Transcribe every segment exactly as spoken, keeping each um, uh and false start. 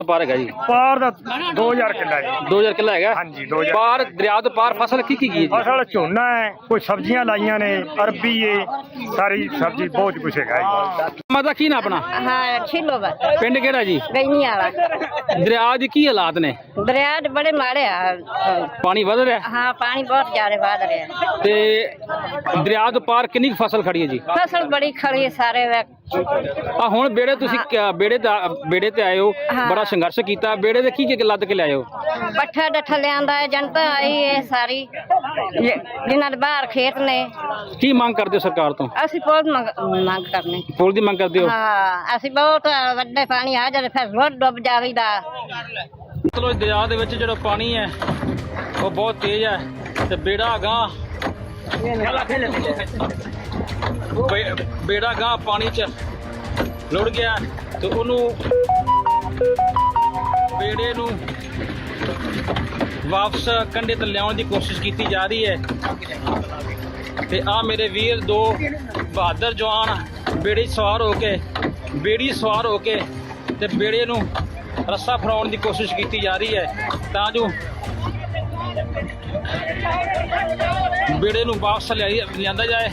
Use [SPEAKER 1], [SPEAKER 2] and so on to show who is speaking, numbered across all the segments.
[SPEAKER 1] ਪਾਰ ਹੈਗਾ ਜੀ
[SPEAKER 2] ਪਾਰ ਦਾ दो हज़ार किला जी।
[SPEAKER 1] दो हज़ार किला हैगा
[SPEAKER 2] हाँ जी, दो हज़ार।
[SPEAKER 1] पार दरिया तो पार फसल की की गई है जी?
[SPEAKER 2] फसल झोना है, कोई सब्जियां लाइया ने, अरबी है, सारी सब्जी बहुत कुछ है।
[SPEAKER 1] माता की ना अपना
[SPEAKER 3] हाँ छिलो बस
[SPEAKER 1] पिंड केड़ा जी?
[SPEAKER 3] गईनी वाला
[SPEAKER 1] दरिया दी की हालात ने?
[SPEAKER 3] दरिया दे बड़े माड़े आ
[SPEAKER 1] पानी वध रहा है
[SPEAKER 3] हाँ पानी बहुत ज्यादा बढ़ रहा है
[SPEAKER 1] ते दरिया तो पार कितनी कुछ फसल खड़ी है जी?
[SPEAKER 3] फसल बड़ी खड़ी है सारे वे
[SPEAKER 1] आ हुण बेड़े तुसी बेड़े दा बेड़े ते आए हो
[SPEAKER 3] हाँ।
[SPEAKER 1] बड़ा संघर्ष कीता बेड़े दे की की लद के ले आए हो?
[SPEAKER 3] पट्ठा डठा लियांदा है जनता आई है सारी जिन्हां दे बाहर खेत ने
[SPEAKER 1] की मांग करदे हो सरकार तो?
[SPEAKER 3] ਅਸੀਂ ਬਹੁਤ ਮੰਗ ਮੰਗ ਕਰਨੇ
[SPEAKER 1] पुल दी मांग करदे हो?
[SPEAKER 3] ਹਾਂ ਅਸੀਂ ਬਹੁਤ ਵੱਡੇ ਪਾਣੀ ਆ ਜਾਵੇ ਫਿਰ ਰੋਡ ਡੁੱਬ ਜਾਵੇਗਾ
[SPEAKER 1] ਮਤਲਬ ਦਰਿਆ ਦੇ ਵਿੱਚ ਜਿਹੜਾ ਪਾਣੀ ਹੈ ਉਹ ਬਹੁਤ ਤੇਜ਼ ਹੈ ਤੇ ਬੇੜਾ ਗਾਂ ਬੇੜਾ ਗਾਂ ਪਾਣੀ 'ਚ ਲੁੜ ਗਿਆ ਤੇ ਉਹਨੂੰ ਬੇੜੇ ਨੂੰ ਵਾਪਸ ਕੰਢੇ ਤੇ ਲਿਆਉਣ ਦੀ ਕੋਸ਼ਿਸ਼ ਕੀਤੀ ਜਾ ਰਹੀ ਹੈ ਤੇ ਆ ਮੇਰੇ ਵੀਰ ਦੋ ਬਹਾਦਰ ਜਵਾਨ ਬੇੜੀ ਸਵਾਰ ਹੋ ਕੇ ਬੇੜੀ ਸਵਾਰ ਹੋ ਕੇ ਤੇ ਬੇੜੇ ਨੂੰ ਰੱਸਾ ਫੜਾਉਣ ਦੀ ਕੋਸ਼ਿਸ਼ ਕੀਤੀ ਜਾ ਰਹੀ ਹੈ ਤਾਂ ਜੋ ਬੇੜੇ ਨੂੰ ਵਾਪਸ ਲਿਆਈ ਲਿਆਂਦਾ ਜਾਏ।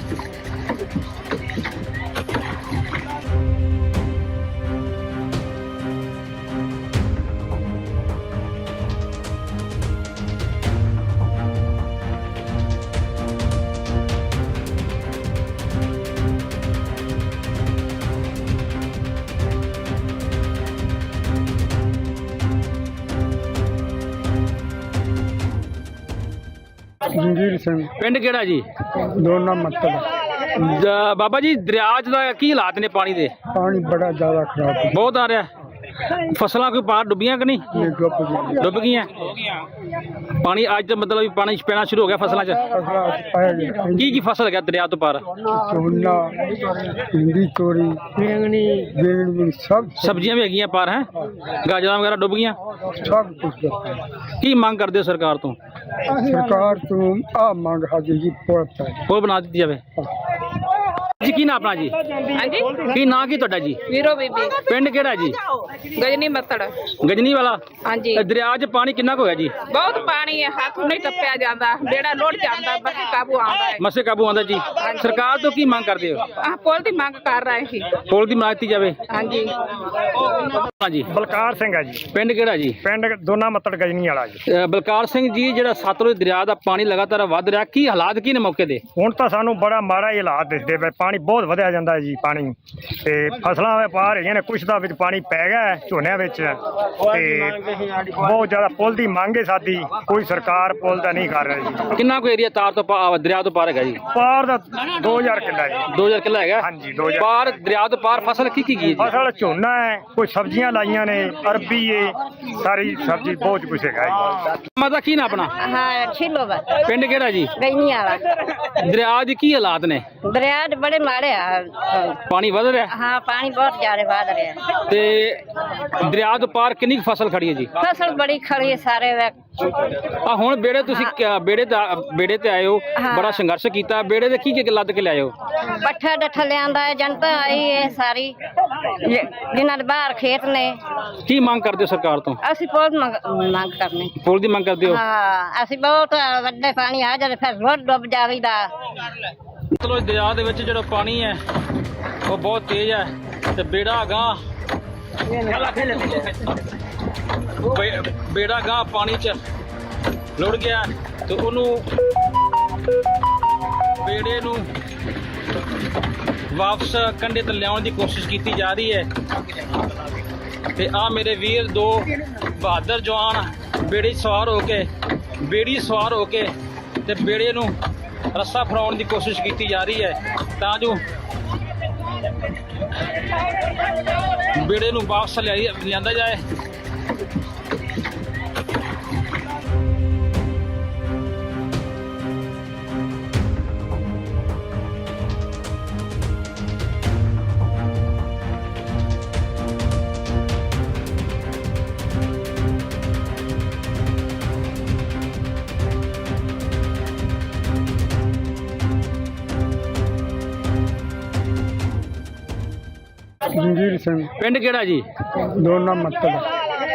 [SPEAKER 2] जंजीर सिंह
[SPEAKER 1] ਪਿੰਡ ਕਿਹੜਾ ਜੀ?
[SPEAKER 2] दोनों मतलब
[SPEAKER 1] ਜ- ਬਾਬਾ ਜੀ ਦਰਿਆ 'ਚ ਦਾ ਕੀ ਹਾਲਾਤ ਨੇ ਪਾਣੀ ਦੇ?
[SPEAKER 2] पानी बड़ा ज्यादा खराब है।
[SPEAKER 1] ਬਹੁਤ ਆ ਰਿਹਾ ਫਸਲਾਂ ਕੋਈ ਪਾਰ ਡੁੱਬੀਆਂ ਕਿ ਨਹੀਂ?
[SPEAKER 2] ये डूब गई
[SPEAKER 1] ਡੁੱਬ ਗਈਆਂ ਪਾਣੀ ਅੱਜ ਤਾਂ ਮਤਲਬ ਵੀ ਪਾਣੀ ਪੈਣਾ ਸ਼ੁਰੂ ਹੋ ਗਿਆ ਫਸਲਾਂ 'ਚ।
[SPEAKER 2] फसला पाया गया
[SPEAKER 1] ਕੀ ਕੀ ਫਸਲ ਗਿਆ ਦਰਿਆ ਤੋਂ ਪਾਰ?
[SPEAKER 2] चूना भिंडी तोरी बैंगनी बैंगनी सब
[SPEAKER 1] ਸਬਜ਼ੀਆਂ ਵੀ ਹੈਗੀਆਂ ਪਾਰ ਹੈ ਗਾਜਰਾਂ ਵਗੈਰਾ ਡੁੱਬ ਗਈਆਂ।
[SPEAKER 2] सब कुछ करता
[SPEAKER 1] ਕੀ ਮੰਗ ਕਰਦੇ ਹੋ ਸਰਕਾਰ ਤੋਂ?
[SPEAKER 2] है। सरकार तो आ मांग हाजी जी पड़ता है।
[SPEAKER 1] ਹੋਰ ਬਣਾ ਦਿੱਤੀ ਜਾਵੇ ਜੀ। ਕੀ ਨਾਂ ਆਪਣਾ ਜੀ?
[SPEAKER 4] ਹਾਂਜੀ
[SPEAKER 1] ਕੀ ਨਾਂ ਕੀ ਤੁਹਾਡਾ ਜੀ?
[SPEAKER 4] ਵੀਰੋ ਬੀਬੀ
[SPEAKER 1] ਪਿੰਡ ਕਿਹੜਾ ਜੀ?
[SPEAKER 4] ਗਜਨੀ ਮੱਤੜ
[SPEAKER 1] ਗਜਨੀ ਵਾਲਾ।
[SPEAKER 4] ਹਾਂਜੀ
[SPEAKER 1] ਇਹ ਦਰਿਆ 'ਚ ਪਾਣੀ ਕਿੰਨਾ ਕੁ ਹੋਇਆ ਜੀ?
[SPEAKER 4] ਬਹੁਤ ਪਾਣੀ ਹੈ ਹੱਥ ਨਹੀਂ ਟੱਪਿਆ ਜਾਂਦਾ ਬੇੜਾ ਲੋੜ ਜਾਂਦਾ ਬਸ ਕਾਬੂ ਆਉਂਦਾ ਹੈ
[SPEAKER 1] ਮਸੇ ਕਾਬੂ ਆਉਂਦਾ ਜੀ। ਸਰਕਾਰ ਤੋਂ ਕੀ ਮੰਗ ਕਰਦੇ ਹੋ?
[SPEAKER 4] ਆਹ ਪੁੱਲ ਦੀ ਮੰਗ ਕਰ ਰਹੇ ਸੀ
[SPEAKER 1] ਪੁਲ ਦੀ ਬਣਾ ਦਿੱਤੀ ਜਾਵੇ।
[SPEAKER 4] ਹਾਂਜੀ
[SPEAKER 1] ਹਾਂਜੀ
[SPEAKER 2] बलकार सिंह है जी।
[SPEAKER 1] ਪਿੰਡ ਕਿਹੜਾ ਜੀ?
[SPEAKER 2] पिंड दोना मत्तड़ गजनी वाला जी।
[SPEAKER 1] ਅ, ਬਲਕਾਰ ਸਿੰਘ ਜੀ ਜਿਹੜਾ ਸਤਲੁਜ ਦਰਿਆ ਦਾ ਪਾਣੀ ਲਗਾਤਾਰ ਵੱਧ ਰਿਹਾ ਕੀ ਹਾਲਾਤ ਕੀ ਨੇ ਮੌਕੇ ਦੇ?
[SPEAKER 2] ਹੁਣ ਤਾਂ ਸਾਨੂੰ ਬੜਾ ਮਾੜਾ ਹੀ ਹਾਲਾਤ ਦਿਸਦੇ ਪਏ। ਪਾਣੀ ਬਹੁਤ ਵਧਿਆ ਜਾਂਦਾ ਹੈ ਜੀ ਪਾਣੀ ਤੇ ਫਸਲਾਂ ਦੇ ਪਾਰ ਹੈਗੀਆਂ ਨੇ ਕੁਛ ਦਾ ਵਿੱਚ ਪਾਣੀ ਪੈ ਗਿਆ ਹੈ ਝੋਨਿਆਂ ਵਿੱਚ ਤੇ ਬਹੁਤ ਜ਼ਿਆਦਾ ਪੁੱਲ ਦੀ ਮੰਗ ਹੈ ਸਾਡੀ ਕੋਈ ਸਰਕਾਰ ਪੁੱਲ ਦਾ ਨਹੀਂ ਕਰ ਰਹੀ ਜੀ।
[SPEAKER 1] ਕਿੰਨਾ ਕੁ ਏਰੀਆ ਤਾਰ ਤੋਂ ਪਾ- ਦਰਿਆ ਤੋਂ ਪਾਰ ਹੈਗਾ ਜੀ?
[SPEAKER 2] ਪਾਰ ਦਾ दो हज़ार किला जी।
[SPEAKER 1] दो हज़ार किला हैगा
[SPEAKER 2] हाँ जी, दो हज़ार।
[SPEAKER 1] पार दरिया तो पार फसल की की गई है जी?
[SPEAKER 2] फसल झोना है, कोई सब्जियां लाइया ने, अरबी है, सारी सब्जी बहुत कुछ है।
[SPEAKER 1] माता की ना अपना
[SPEAKER 3] हाँ छिलो बस
[SPEAKER 1] पिंड केड़ा जी?
[SPEAKER 3] गईनी वाला
[SPEAKER 1] दरिया दी की हालात ने?
[SPEAKER 3] दरिया दे बड़े माड़े आ
[SPEAKER 1] पानी वध रहा है
[SPEAKER 3] हाँ पानी बहुत ज्यादा बढ़ रहा है
[SPEAKER 1] ते दरिया तो पार कितनी कुछ फसल खड़ी है जी?
[SPEAKER 3] फसल बड़ी खड़ी है सारे वे
[SPEAKER 1] आ हुण बेड़े तुसी बेड़े दा बेड़े ते आए हो
[SPEAKER 3] हाँ।
[SPEAKER 1] बड़ा संघर्ष कीता बेड़े दे की की लद के ले आए हो?
[SPEAKER 3] पट्ठा डठा लियांदा है जनता आई है सारी जिन्हां दे बाहर खेत ने
[SPEAKER 1] की मांग करदे हो सरकार तो?
[SPEAKER 3] ਅਸੀਂ ਬਹੁਤ ਮੰਗ ਮੰਗ ਕਰਨੇ
[SPEAKER 1] पुल दी मांग करदे हो?
[SPEAKER 3] ਹਾਂ ਅਸੀਂ ਬਹੁਤ ਵੱਡੇ ਪਾਣੀ ਆ ਜਾਵੇ ਫਿਰ ਰੋਡ ਡੁੱਬ ਜਾਵੇਗਾ
[SPEAKER 1] ਮਤਲਬ ਦਰਿਆ ਦੇ ਵਿੱਚ ਜਿਹੜਾ ਪਾਣੀ ਹੈ ਉਹ ਬਹੁਤ ਤੇਜ਼ ਹੈ ਤੇ ਬੇੜਾ ਗਾਂ ਬੇ- ਬੇੜਾ ਗਾਂ ਪਾਣੀ 'ਚ ਲੁੜ ਗਿਆ ਤੇ ਉਹਨੂੰ ਬੇੜੇ ਨੂੰ ਵਾਪਸ ਕੰਢੇ ਤੇ ਲਿਆਉਣ ਦੀ ਕੋਸ਼ਿਸ਼ ਕੀਤੀ ਜਾ ਰਹੀ ਹੈ ਤੇ ਆ ਮੇਰੇ ਵੀਰ ਦੋ ਬਹਾਦਰ ਜਵਾਨ ਬੇੜੀ ਸਵਾਰ ਹੋ ਕੇ ਬੇੜੀ ਸਵਾਰ ਹੋ ਕੇ ਤੇ ਬੇੜੇ ਨੂੰ ਰੱਸਾ ਫੜਾਉਣ ਦੀ ਕੋਸ਼ਿਸ਼ ਕੀਤੀ ਜਾ ਰਹੀ ਹੈ ਤਾਂ ਜੋ ਬੇੜੇ ਨੂੰ ਵਾਪਸ ਲਿਆਈ ਲਿਆਂਦਾ ਜਾਏ।
[SPEAKER 2] जंजीर सिंह
[SPEAKER 1] ਪਿੰਡ ਕਿਹੜਾ ਜੀ?
[SPEAKER 2] दोना मतलब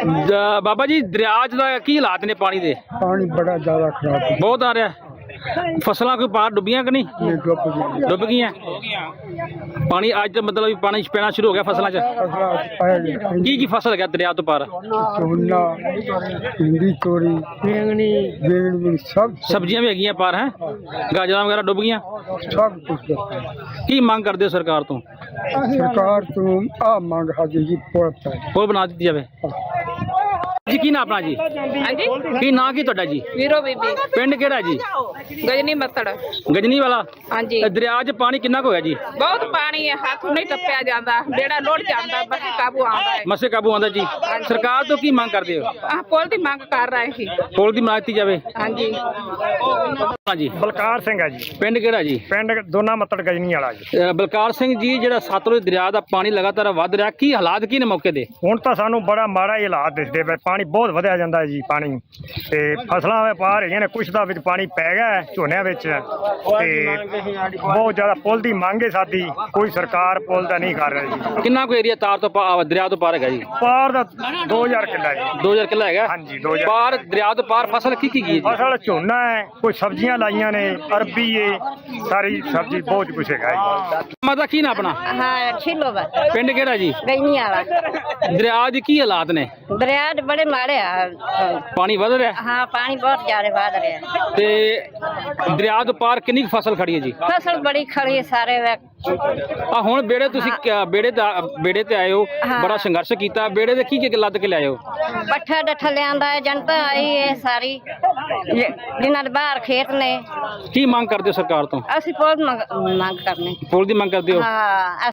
[SPEAKER 1] ਜ- ਬਾਬਾ ਜੀ ਦਰਿਆ 'ਚ ਦਾ ਕੀ ਹਾਲਾਤ ਨੇ ਪਾਣੀ ਦੇ?
[SPEAKER 2] ਪਾਣੀ ਬੜਾ ਜ਼ਿਆਦਾ ਖਰਾਬ ਹੈ
[SPEAKER 1] ਬਹੁਤ ਆ ਰਿਹਾ। ਫਸਲਾਂ ਕੋਈ ਪਾਰ ਡੁੱਬੀਆਂ ਕਿ ਨਹੀਂ?
[SPEAKER 2] ਇਹ ਡੁੱਬ ਗਈ
[SPEAKER 1] ਡੁੱਬ ਗਈਆਂ। ਪਾਣੀ ਅੱਜ ਮਤਲਬ ਵੀ ਪਾਣੀ ਪੈਣਾ ਸ਼ੁਰੂ ਹੋ ਗਿਆ ਫਸਲਾਂ 'ਚ।
[SPEAKER 2] ਫਸਲਾਂ ਪੈ ਗਈ
[SPEAKER 1] ਕੀ ਕੀ ਫਸਲ ਗਿਆ ਦਰਿਆ ਤੋਂ ਪਾਰ?
[SPEAKER 2] ਝੋਨਾ ਹਿੰਦੀ ਤੋਰੀ ਬੇਂਗਣੀ ਬੇਂਗਣੀ ਸਭ
[SPEAKER 1] ਸਬਜ਼ੀਆਂ ਵੀ ਹੈਗੀਆਂ ਪਾਰ ਹੈ, ਗਾਜਰਾਂ ਵਗੈਰਾ ਡੁੱਬ ਗਈਆਂ।
[SPEAKER 2] ਸਭ ਕੁਝ
[SPEAKER 1] ਕੀ ਮੰਗ ਕਰਦੇ ਹੋ ਸਰਕਾਰ ਤੋਂ?
[SPEAKER 2] ਸਰਕਾਰ ਤੋਂ ਆ ਮੰਗ ਹਾਜੀ ਜੀ ਪੁੱਤ
[SPEAKER 1] ਹੋਰ ਬਣਾ ਦਿੱਤੀ ਜਾਵੇ ਜੀ। ਕੀ ਨਾਂ ਆਪਣਾ ਜੀ?
[SPEAKER 4] ਹਾਂਜੀ
[SPEAKER 1] ਕੀ ਨਾਂ ਕੀ ਤੁਹਾਡਾ ਜੀ?
[SPEAKER 4] ਵੀਰੋ ਬੀਬੀ
[SPEAKER 1] ਪਿੰਡ ਕਿਹੜਾ ਜੀ?
[SPEAKER 4] ਗਜਨੀ ਮੱਤੜ
[SPEAKER 1] ਗਜਨੀ ਵਾਲਾ।
[SPEAKER 4] ਹਾਂਜੀ
[SPEAKER 1] ਇਹ ਦਰਿਆ 'ਚ ਪਾਣੀ ਕਿੰਨਾ ਕੁ ਹੋਇਆ ਜੀ?
[SPEAKER 4] ਬਹੁਤ ਪਾਣੀ ਹੈ, ਹੱਥ ਨਹੀਂ ਟੱਪਿਆ ਜਾਂਦਾ, ਬੇੜਾ ਲੋੜ ਜਾਂਦਾ, ਬਸ ਕਾਬੂ ਆਉਂਦਾ ਹੈ।
[SPEAKER 1] ਮਸੇ ਕਾਬੂ ਆਉਂਦਾ ਜੀ। ਸਰਕਾਰ ਤੋਂ ਕੀ ਮੰਗ ਕਰਦੇ ਹੋ?
[SPEAKER 4] ਆਹ ਪੁੱਲ ਦੀ ਮੰਗ ਕਰ ਰਹੇ ਸੀ।
[SPEAKER 1] ਪੁਲ ਦੀ ਬਣਾ ਦਿੱਤੀ ਜਾਵੇ।
[SPEAKER 4] ਹਾਂਜੀ
[SPEAKER 1] ਹਾਂਜੀ
[SPEAKER 2] ਬਲਕਾਰ ਸਿੰਘ ਹੈ ਜੀ।
[SPEAKER 1] ਪਿੰਡ ਕਿਹੜਾ ਜੀ?
[SPEAKER 2] ਪਿੰਡ ਦੋਨਾ ਮੱਤੜ ਗਜਨੀ ਵਾਲਾ ਜੀ।
[SPEAKER 1] ਅ, ਬਲਕਾਰ ਸਿੰਘ ਜੀ, ਜਿਹੜਾ ਸਤਲੁਜ ਦਰਿਆ ਦਾ ਪਾਣੀ ਲਗਾਤਾਰ ਵੱਧ ਰਿਹਾ, ਕੀ ਹਾਲਾਤ ਕੀ ਨੇ ਮੌਕੇ ਦੇ?
[SPEAKER 2] ਹੁਣ ਤਾਂ ਸਾਨੂੰ ਬੜਾ ਮਾੜਾ ਹੀ ਹਾਲਾਤ ਦਿਸਦੇ ਪਏ। ਪਾਣੀ ਬਹੁਤ ਵਧਿਆ ਜਾਂਦਾ ਹੈ ਜੀ ਪਾਣੀ, ਤੇ ਫਸਲਾਂ ਵੇ ਪਾਰ ਹੈਗੀਆਂ ਨੇ, ਕੁਛ ਦਾ ਵਿੱਚ ਪਾਣੀ ਪੈ ਗਿਆ ਹੈ ਝੋਨਿਆਂ ਵਿੱਚ, ਤੇ ਬਹੁਤ ਜ਼ਿਆਦਾ ਪੁੱਲ ਦੀ ਮੰਗ ਹੈ ਸਾਡੀ। ਕੋਈ ਸਰਕਾਰ ਪੁੱਲ ਦਾ ਨਹੀਂ ਕਰ ਰਹੀ ਜੀ।
[SPEAKER 1] ਕਿੰਨਾ ਕੁ ਏਰੀਆ ਤਾਰ ਤੋਂ ਪਾ- ਦਰਿਆ ਤੋਂ ਪਾਰ ਹੈਗਾ ਜੀ?
[SPEAKER 2] ਪਾਰ ਦਾ ਦੋ ਹਜ਼ਾਰ ਕਿੱਲਾ ਜੀ।
[SPEAKER 1] ਦੋ ਹਜ਼ਾਰ ਕਿੱਲਾ ਹੈਗਾ।
[SPEAKER 2] ਹਾਂਜੀ, ਦੋ ਹਜ਼ਾਰ।
[SPEAKER 1] ਪਾਰ ਦਰਿਆ ਤੋਂ ਪਾਰ ਫਸਲ ਕੀ ਕੀ ਗਈ ਹੈ ਜੀ?
[SPEAKER 2] ਫਸਲ ਝੋਨਾ ਹੈ, ਕੋਈ ਸਬਜ਼ੀਆਂ ਲਾਈਆਂ ਨੇ, ਅਰਬੀ ਹੈ, ਸਾਰੀ ਸਬਜ਼ੀ ਬਹੁਤ ਕੁਛ ਹੈਗਾ ਜੀ।
[SPEAKER 1] ਮਾਤਾ ਕੀ ਨਾ ਆਪਣਾ?
[SPEAKER 3] ਹਾਂ ਛਿਲੋ ਬਸ
[SPEAKER 1] ਪਿੰਡ ਕਿਹੜਾ ਜੀ?
[SPEAKER 3] ਗਈਨੀ ਵਾਲਾ
[SPEAKER 1] ਦਰਿਆ ਦੇ ਕੀ ਹਾਲਾਤ ਨੇ?
[SPEAKER 3] ਦਰਿਆ ਦੇ ਬੜੇ ਮਾੜੇ ਆ।
[SPEAKER 1] ਪਾਣੀ ਵਧ ਰਿਹਾ
[SPEAKER 3] ਹਾਂ ਪਾਣੀ ਬਹੁਤ ਜ਼ਿਆਦਾ ਵਧ ਰਿਹਾ।
[SPEAKER 1] ਤੇ ਦਰਿਆ ਤੋਂ ਪਾਰ ਕਿੰਨੀ ਕੁ ਫਸਲ ਖੜੀ ਹੈ ਜੀ?
[SPEAKER 3] ਫਸਲ ਬੜੀ ਖੜੀ ਹੈ ਸਾਰੇ ਵੇ।
[SPEAKER 1] ਆ ਹੁਣ ਬੇੜੇ ਤੁਸੀਂ ਕ- ਬੇੜੇ ਦਾ ਬੇੜੇ ਤੇ ਆਏ ਹੋ,
[SPEAKER 3] ਹਾਂ।
[SPEAKER 1] ਬੜਾ ਸੰਘਰਸ਼ ਕੀਤਾ, ਬੇੜੇ ਦੇ ਕੀ ਕੀ ਲੱਦ ਕੇ ਲਿਆਏ ਹੋ?
[SPEAKER 3] ਪੱਠਾ ਡੱਠਾ ਲਿਆਂਦਾ ਹੈ, ਜਨਤਾ ਆਈ ਹੈ ਸਾਰੀ, ਜਿ- ਜਿਨ੍ਹਾਂ ਦੇ ਬਾਹਰ ਖੇਤ ਨੇ।
[SPEAKER 1] ਕੀ ਮੰਗ ਕਰਦੇ ਹੋ ਸਰਕਾਰ ਤੋਂ?
[SPEAKER 3] ਅਸੀਂ ਬਹੁਤ ਮੰਗ ਮੰਗ ਕਰਨੇ।
[SPEAKER 1] ਪੁਲ ਦੀ ਮੰਗ ਕਰਦੇ ਹੋ?
[SPEAKER 3] ਹਾਂ